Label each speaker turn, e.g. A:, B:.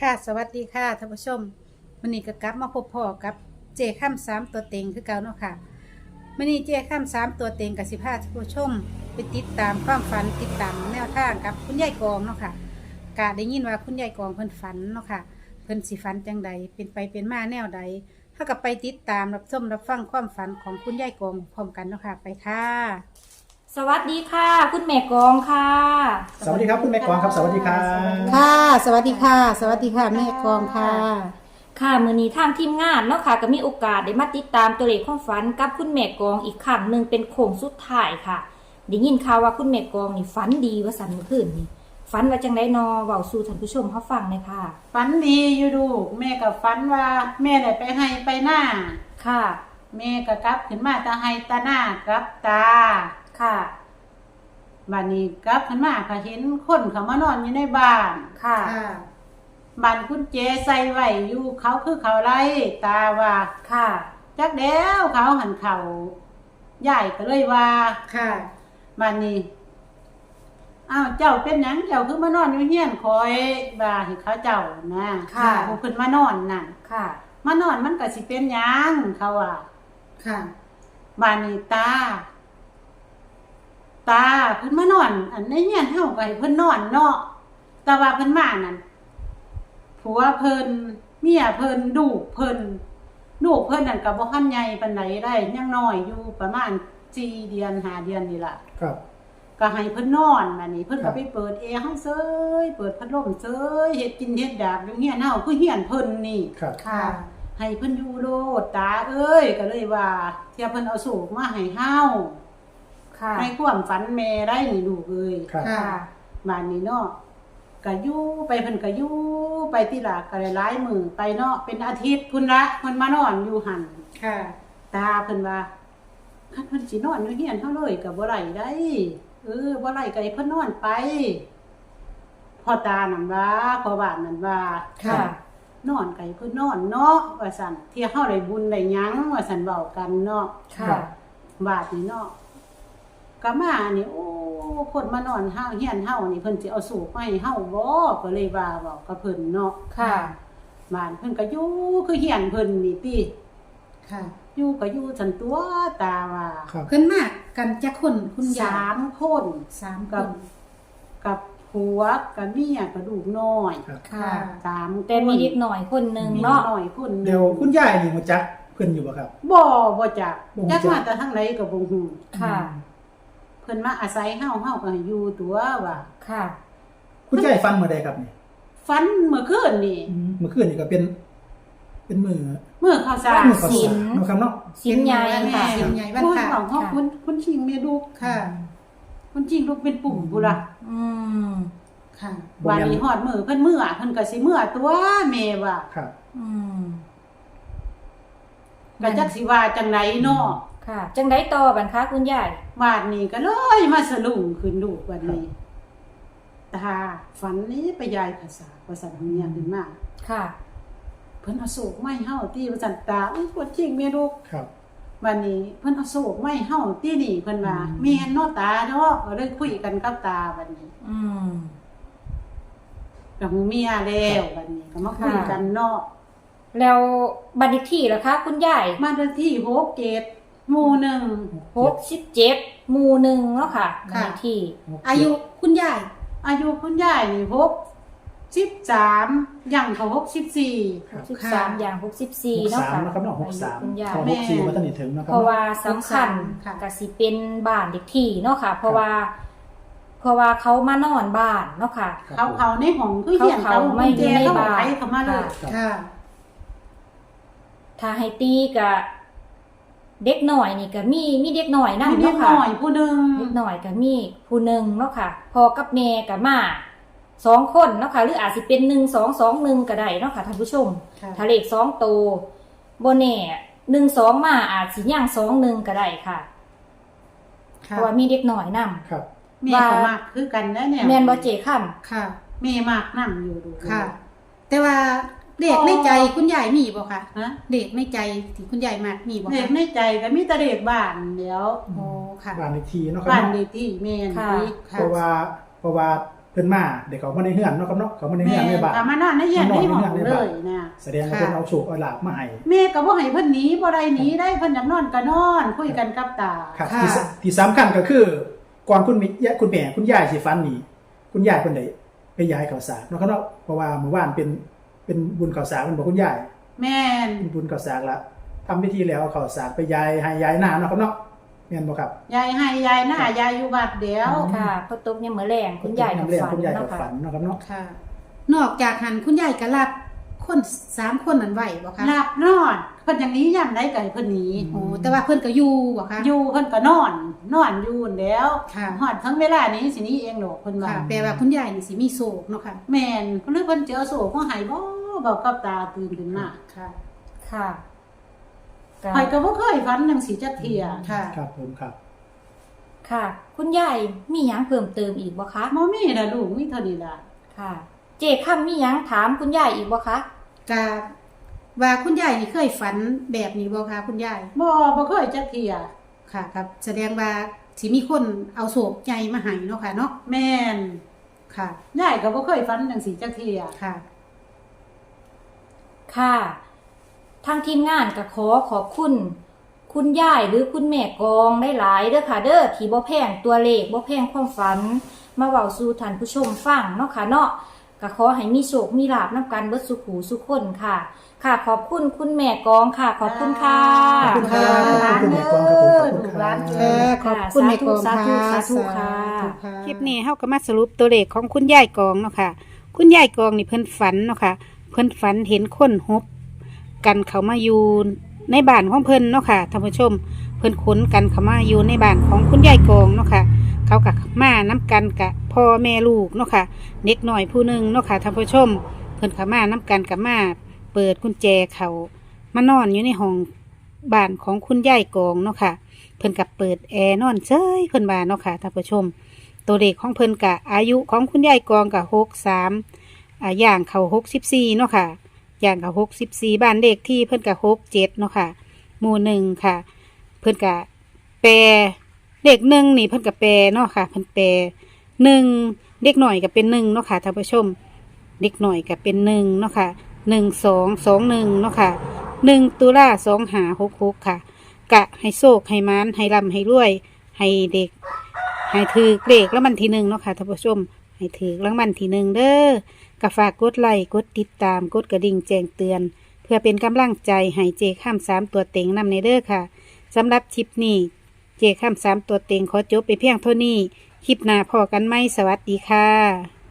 A: ค่ะสวัสดีค่ะท่านผู้ชมวันนี้ก็กลับมาพบพ่อกับเจข้าม3ตัวเต็งคือเก่าเนาะค่ะวันนี้เจข้าม3ตัวเต็งกับ15ท่านผู้ชมไปติดตามความฝันติดตามแนวทางกับคุณยายกองเนาะค่ะกะได้ยินว่าคุณยายกองเพิ่นฝันเนาะค่ะเพิ่นสิฝันจังใดเป็นไปเป็นมาแนวใดถ้ากับไปติดตามรับชมรับฟังความฝันของคุณยายกองพร้อมกันเนาะค่ะไปค่ะ
B: สวัสดีค่ะคุณแม่กองค่ะ
C: สวัสดีครับคุณแม่กวางครับสวัสดีครับ
A: ค่ะ สวัสดีค่ะ สวัสดีค่ะแม่กองค่ะ
B: ค่ะมื้อนี้ทางทีมงานเนาะค่ะก็มีโอกาสได้มาติดตามตัวเลขความฝันกับคุณแม่กองอีกครั้งหนึ่งเป็นโค้งสุดท้ายค่ะได้ยินข่าวว่าคุณแม่กองนี่ฝันดีว่าสันเมื่อคืนนี่ฝันว่าจังได๋นอเว้าสู่ท่านผู้ชมเฮาฟังเลยค่ะ
A: ฝันดีอยู่ดูแม่ก็ฝันว่าแม่ได้ไปให้ไปหน้า
B: ค่ะ
A: แม่ก็กลับขึ้นมาตาให้ตาหน้ากลับตา
B: ค่ะ
A: บัดนี้กลับขึ้นมาก็เห็นคนเขามานอนอยู่ในบ้าน
B: ค่ะ
A: บ้านคุณเจใส่ไว้อยู่เขาคือเขาไรตาว่า
B: ค่ะ
A: จักแล้วเขาหันเขาใหญ่ก็เลยว่า
B: ค่ะ
A: บัดนี้อ้าวเจ้าเป็นหยังเจ้าคือมานอนอยู่เฮียนคอยบ่าให้เขาเจ้านะ
B: ค่ะ
A: ผู้ขึ้นมานอนน่ะ
B: ค่ะ
A: มานอนมันก็สิเป็นหยังเขาว่า
B: ค่ะ
A: บ้านนี้ตาเพิ่นมานอน อันในเฮียนเฮาก็ให้เพิ่นนอนเนาะแต่ว่าเพิ่นมานั่นผัวเพิ่นเมียเพิ่นลูกเพิ่นนั่นก็บ่ทันใหญ่ปานใดได้ยังน้อยอยู่ประมาณ4เดือน5เดือนนี่ล่ะ
C: ครับ
A: ก็ให้เพิ่นนอนบัดนี้เพิ่น
C: ครั
A: ก็
C: บ
A: ไปเปิดแอร์เฮาเซยเปิดพัดลมเซยเฮ็ดกินเฮ็ดอยากอยู่เฮียนเฮาคือเฮียนเพิ่นนี่
C: ครับ
B: ค่ะ
A: ให้เพิ่นอยู่โลดตาเอ้ยก็เลยว่าเที่ยเพิ่นเอาสูกมาให้เฮา
B: ค่ะ
A: ให้ความฝันแม่ได้นี่ลูกเอ้ย
C: ครับ
B: ค่ะ
A: บ้านนี้เนาะก็อยู่ไปเพิ่นก็อยู่ไปที่หลากก็หลายมื้อไปเนาะเป็นอาทิตย์พุ่นละเพิ่นมานอนอยู่หั่น
B: ค่ะ
A: ตาเพิ่นว่าคันเพิ่นสินอนอยู่เฮียนเฮาเลยก็บ่ได้ได้บ่ได้ก็ให้เพิ่นนอนไปพ่อตานั่นว่าพ่อบ้านนั่นว่า
B: ค่ะ
A: นอนไก่เพิ่นนอนเนาะว่าซั่นที่เฮาได้บุญได้หยังว่าซั่นเว้ากันเนาะ
B: ค่ะ
A: บาดนี้เนาะก็มานี่โอ้คนมานอนเฮาเฮียนเฮานี่เพิ่นสิเอาสูบมาให้เฮาบ่ก็เลยว่าเว้ากับเพิ่นเนาะ
B: ค่ะ
A: บ้านเพิ่นก็อยู่คือเฮียนเพิ่นนี่ติ
D: ค่ะ
A: อยู่ก็อยู่ซั่นตัวตาว่า
C: ครับ
D: เพิ่นมากกันจักคนคุณยาย
A: 3คน
D: 3 ค
A: กับ
D: น
A: กับผัวกับเมียกับลูกน้อย
C: ครับ
D: ค่ะ
A: 3คน
B: แต่มีเด็กหน่อยคนหนึงเนาะ
A: มีน้อยคนหนึ่ง
C: เดี๋ยวคุณยายนี่มาจักเพิ่นอยู่บ่ครับ
A: บ่จัก
C: บ่
A: จั
C: จั
A: ก
C: ก
A: มาแต่ทางไหนก็บ่ฮู้
B: ค่ะ
A: เพิ่นมาอาศัยเฮาก็ให้อยู่ตัวว่า
B: ค่ะ
C: คุณยายฟันเมื่อใดครับนี่
A: ฝันเมื่อคืนนี่
C: เมื่อคืนนี่ก็เป็นมือ
A: เมื่อข้าวสาร
C: มือข้าว
B: ศี
C: สา
B: ล
C: รเนาะครับเนาะ
B: สินใหญ่ค่ะ
D: สินใหญ่บ้าน
A: คุณ
D: ค่ะ
A: ของเฮา
B: ค่ะ
A: คุณชิงเมดู
D: ค่ะ
A: คุณชิงลูกเป็นปุ่มพุ่นล่ะ
B: อืม
D: ค่ะ
C: บ่
A: วัน
C: แม่น
A: นี้ฮอดมื้อเพิ่นมื้อเพิ่นก็สิมื้อตัวแม่ว่า
C: ครับ
B: อืม
A: ก็จักสิว่าจังไดเนาะ
B: ค่ะ จังได้ต่อบันคะคุณยาย
A: วาดนี้ก็เลยมาสะลุงขึ้นลูกวันนี้ตาฝันนี้ไปยายภาษาของเมียขึ้นมา
B: ค่ะ
A: เพิ่นเอาโศกไม้เฮาตีว่าซั่นตาอุ้ยปวดจริงแม่ลูก
C: ครับ
A: วันนี้เพิ่นเอาโศกไม้เฮาตีนี่เพิ่นว่า
C: อืม
A: แม่นเนาะตาเนาะก็เลยคุยกันกับตาบัดนี้
B: อืม
A: กับเมียแล้วบัดนี้ก็มาคุยกันเนาะ
B: แล้วบัตรเลขที่ล่ะคะคุณยาย
A: มาวันที่6เกตหมู่หนึ่ง
B: 67หมู่หนึ่งเนาะค่ะบัตรเลขที่
D: อายุคุณยาย
A: อายุคุณยายนี่63ย่างเข้า64
C: ครับ
B: 63อย่าง64เนาะค่ะ
C: 63นะครับเนาะ
B: อายุคุณยาย
C: 63
A: แม่
C: 64มาตั้งนี่ถึงนะครั
B: เพราะว่าสำคัญ
D: ค่ะ
B: ก็สิเป็นบ้านเลขที่เนาะค่ะ เพราะว่าเขามานอนบ้านเนาะค่ะ
C: ครับ
A: เขาในห้องคือเหียน
B: เขาไม่อยู่ในบ้าน
A: เขามาเลย
C: ครับ
D: ค่ะ
B: ถ้าให้ตีกับเด็กหน่อยนี่ก็มีเด็กหน่อยนำ
A: มีเด็
B: เนาะ
A: ก
B: ค่ะ
A: หน่อยผู้หนึง
B: เด็กหน่อยก็มีผู้หนึ่งเนาะค่ะพ่อกับแม่ก็มา2 คนเนาะค่ะหรืออาจสิเป็น1 2 2 1ก็ได้เนาะค่ะท่านผู้ชม
D: ค่ะ
B: ถ้าเลข2ตัวบ่แน่1 2มาอาจสิย่าง2 1ก็ได้ค่ะเพ
D: ค่ะ
B: ราะว่ามีเด็กหน่อยนํ
C: ครับ
A: แม่ก็มากคือกันนะเนี่ย
B: แม่นบ่เจค่ํ
D: ค่ะ
A: แม่มากนํอยู่ดู
D: ค่ะ แต่ว่าเด็กในใจคุณยายมีบ่คะ
A: ฮะ
D: เด็กในใจที่คุณยายมากมีบ่
A: เด็ก
D: คะ
A: ในใจก็มีแต่เด็กบ้านเดี๋ยว
D: โอ้ค่ะ
C: บ้านเลขที่เนาะครับ
A: บ้าน
C: เนาะ
A: เด็กที่แม่น
B: ค่ะ
A: ที่
D: ค่ะ
C: เพราะว่าเพิ่นมาเด็กเขามาในเฮือนเนาะครับเนาะเขามาในเฮือนในบ้าน
D: แม่มานอนในเฮียนในห้องเลยนะ
C: แสดงว่าเพิ่นเอาโชคเอาลาภมาให้
D: แม่ก็บ่ให้เพิ่นหนีบ่ได้หนีได้เพิ่นอยากนอนก็นอนคุยกันกับตา
C: ครับที่สำคัญก็คือก่อนคุณแม่คุณยายสิฝันนี่คุณยายเพิ่นได้ไปย้ายข้าวสารเนาะครับเนาะเพราะว่าเมื่อวานเป็นบุญข้าวสารมันบอกคุณยาย
D: แม่น
C: เป็นบุญข้าวสารละทำพิธีแล้วเอาข้าวสารไปย้ายให้ย้ายหน้าเนาะครับเนาะแม่นบ่ครับ
D: ยายให้ยายหน้ายายอยู่วัดเดียว
B: ค่ะพอตกเนี่ยมื้อแรงคุณยายก็
C: เรียก
B: ฝัน
C: คุณยายก็
B: เนาะ
C: ฝั
B: ค่ะ
C: นเนาะครับเนาะ
D: ค่ะ
A: นอกจากหันคุณยายก็รับคน3คนนั้นไว้บ่คะ
D: หลับนอนเพิ่นอย่างนี้ย่ำได้ไก่เพิ่นหนี
A: โอ้แต่ว่าเพิ่นก็อยู่บ่คะ
D: อยู่เพิ่นก็นอนอยู่นั่นแหล้ว
A: ค่ะ
D: ฮอดทั้งเวลานี้สิหนี้เองดอกเพิ่นว่า
A: ค่ะแปลว่าคุณยายนี่สิมีโศกเนาะค่ะ
D: แม่นหรือเพิ่นเจอโศกของหายบ่บอกกับตาตื่นขึ้นมา
A: ค่ะ
B: ค่ะ
D: หายก็บ่เคยฝันจังสิจักเที่ย
A: ค่ะ
C: ครับผมครับ
B: ค่ะ คุณยายมีหยังเพิ่มเติมอีกบ่คะ
D: บ่มีล่ะลูกมีเท่านี้ล่ะ
B: ค่ะ เจค่ำมีหยังถามคุณยายอีกบ่คะ
A: กะว่าคุณยายนี่เคยฝันแบบนี้บ่คะคุณยาย
D: บ่เคยจักเที่ย
A: ค่ะครับ แสดงว่าสิมีคนเอาโศกใหญ่มาให้เนาะค่ะเนาะ
D: แม่น
A: ค่ะ
D: ยายก็บ่เคยฝันจังสิจักเที่ย
A: ค่ะ
B: ค่ะทางทีมงานก็ขอบคุณ คุณยายหรือคุณแม่กองได้หลายๆเด้อค่ะ เด้อที่บ่แพงตัวเลขบ่แพงความฝัน มาเว้าสู่ท่านผู้ชมฟังเนาะค่ะเนาะก็ขอให้มีโชคมีลาภนำกันเบิดสุขหูสุขคนค่ะ ค่ะ ขอบคุณคุณแม่กองค่ะ ขอบคุณค่ะ
C: ขอบคุณครับขอบคุณแม่กองครับผมขอบคุณครับ
A: ขอบคุณแม่กอง
B: สาธุ
A: ค่ะ
B: สาธุค่ะ
A: คลิปนี้เฮาก็มาสรุปตัวเลขของคุณยายกองเนาะค่ะ คุณยายกองนี่เพิ่นฝันเนาะค่ะ เพิ่นฝันเห็นคนฮบกันเขามาอยู่ในบ้านของเพิ่นเนาะค่ะท่านผู้ชม เพิ่นขนกันเขามาอยู่ในบ้านของคุณยายกองเนาะค่ะ เขากับมาน้กันกับพ่อแม่ลูกเนาะค่ะเด็กหน่อยผู้หนึ่งเนาะค่ะท่านผู้ชม เพิ่นเขามาน้กันกับมาเปิดกุญแจเขามานอนอยู่ในห้องบ้านของคุณยายกองเนาะค่ะ เพิ่นกับเปิดแอร์นอนเฉยเพิ่นว่าเนาะค่ะท่านผู้ชม ตัวเลขของเพิ่นกะอายุของคุณยายกองกะ63ย่างเขา64เนาะค่ะย่างเขา64บ้านเลขที่เพิ่นกะ67เนาะค่ะหมู่1ค่ะ เพิ่นกะแปรเลข1นี่เพิ่นกะแปรเนาะค่ะเพิ่นแปร1เด็กหน่อยก็เป็น1เนาะค่ะท่านผู้ชม เด็กหน่อยก็เป็น1เนาะค่ะ1221เนาะค่ะ1ตุลา2566ค่ะ กะให้โชคให้มานให้ร่ำให้รวยให้เด็ก ให้ถือเลขแล้วมันที่1เนาะค่ะท่านผู้ชมให้ถือรางวัลที่1เด้อกะฝากกดไลค์กดติดตามกดกระดิ่งแจ้งเตือน เพื่อเป็นกำลังใจให้เจข้าม3ตัวเต็งนำในเด้อค่ะสำหรับคลิปนี้เจข้าม3ตัวเต็งขอจบไปเพียงเท่านี้คลิปหน้าพอกันไหมสวัสดีค่ะ